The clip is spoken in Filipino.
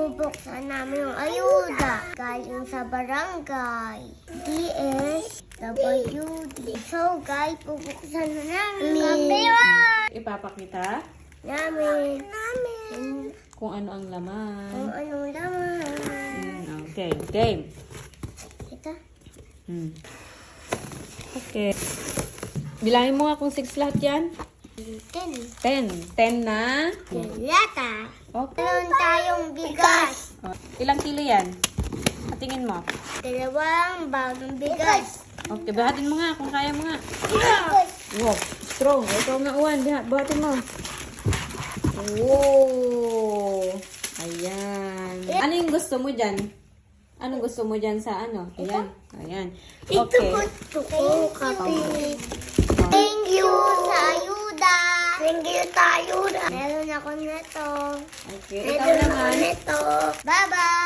bubuksan namin yung ayuda galing sa barangay. DSWD. So guys, bubuksan na namin. Ipapakita Namin. kung ano ang laman. Kung anong laman. Okay, game. Ito. Okay. Bilangin mo nga kung 6 lahat yan. 10. 10 na. Lata. Okay. Meron tayong bigas. Ilang kilo yan? Patingin mo. 2 bagong bigas. Okay, bahatin mo nga kung kaya mo nga. Wow, strong. Ikaw nga, Uwan. Bahatin mo. Oh. Ayan. Ano yung gusto mo dyan? Anong gusto mo dyan sa ano? Ayan. Ayan. Okay. Gusto ko kape. Thank you sa ayuda. Thank you sa ayuda. Meron ako nito. Okay. Ikaw Meron ako naman. nito. Bye-bye.